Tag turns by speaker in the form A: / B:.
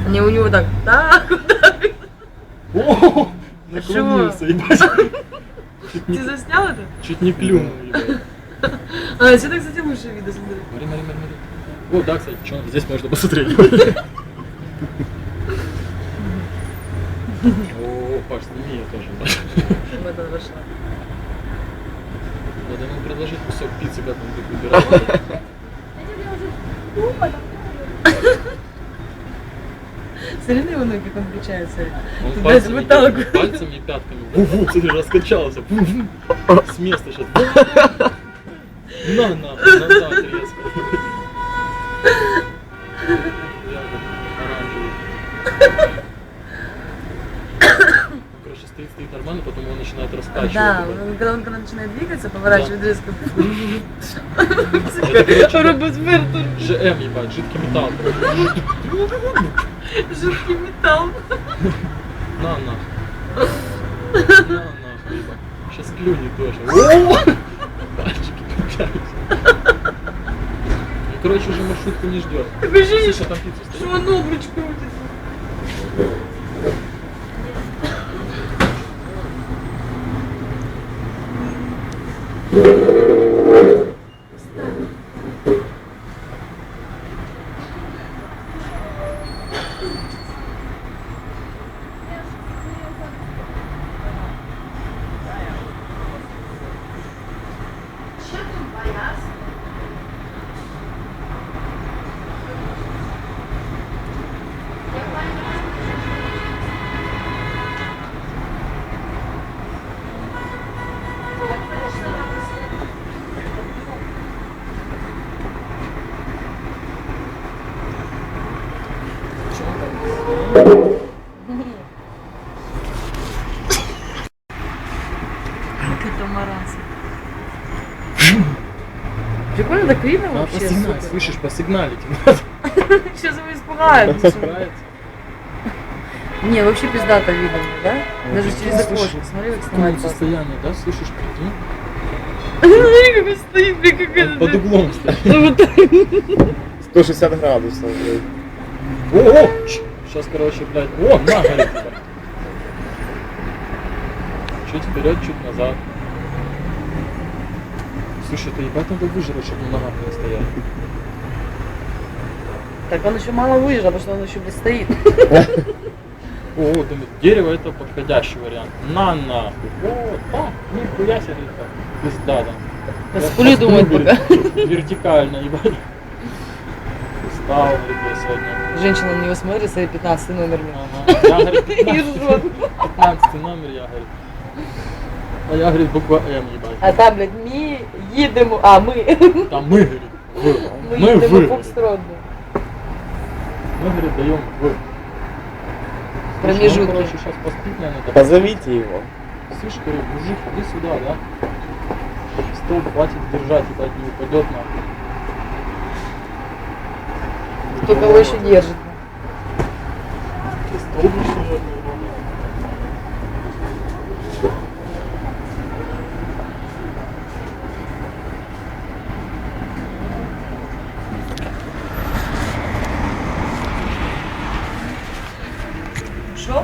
A: Не, у него так, вот так.
B: О, наклонился, ебать.
A: Ты заснял это?
B: Чуть не клюнул, ебать.
A: А, отсюда, кстати, лучше видно, смотри.
B: Смотри. О, да, кстати, что здесь можно посмотреть. О, Паш, сними я тоже.
A: Вот она вошла.
B: Надо ему предложить кусок пиццы, как он будет выбирать.
A: Смотри на его ноги, как он включается.
B: Он
A: Ты
B: пальцами,
A: даже вот так.
B: пальцами и пятками. Ву-ву, смотри, раскачался. С места сейчас. На, назад резко. Оранжевый. Короче, стоит нормально, потом он начинает раскачивать.
A: Да, когда он начинает двигаться, поворачивает резко.
B: Робот-Вертер. ЖМ, ебать, жидкий металл.
A: Жидкий металл.
B: На, нахуй, ебать. Сейчас клюнет тоже. О! Пальчики крутятся. Ну, короче, уже маршрутку не ждет.
A: Такое ощущение,
B: Слушай, там пицца стоит.
A: что он обруч крутится. Катамаранцы. Прикольно, так видно
B: Надо
A: вообще.
B: посигналить,
A: Супер.
B: слышишь, посигналить надо.
A: Сейчас его испугают.
B: Справится.
A: Не, вообще пиздато видно, да? Даже
B: Ну,
A: через
B: слушай,
A: окошко. Смотри, как снимать классно.
B: Состояние, да, слышишь, прикинь?
A: Смотри, как он стоит, блин, как это.
B: Под углом стоит.
A: Ну вот так.
C: 160 градусов, блядь.
B: О! Сейчас, короче, блядь. О, на, горит. Чуть вперед, чуть назад. Слушай, это ебать надо выжрать, чтобы на ногах не стоять.
A: Так он еще мало выезжал, потому что он еще, блядь, стоит.
B: О, думаю, дерево это подходящий вариант. На нахуй. Вот, так, нихуя себе, так. Пизда, да.
A: Спули думают пока.
B: Вертикально, ебать. Устал, ребят, сегодня.
A: Женщина на него смотрит, свои 15 номер.
B: Ага. Я, говорит,
A: И
B: 15,
A: ржет.
B: 15 номер, я, говорит. А я, говорит, буква М, ебать.
A: А там, блядь, ми їдемо, а ми.
B: Там мы, говорит, вы.
A: Ми
B: Мы
A: їдемо
B: вы.
A: в Фокстрот.
B: Мы, говорит, даем вы.
A: Промежутки.
B: Он, короче, сейчас поспит, наверное, так.
C: Позовите его.
B: Слышь, говорю, мужик, иди сюда, да? Стол хватит держать, ебать, не упадет нахуй.
A: Кто кого еще держит.
B: Стол, что ли?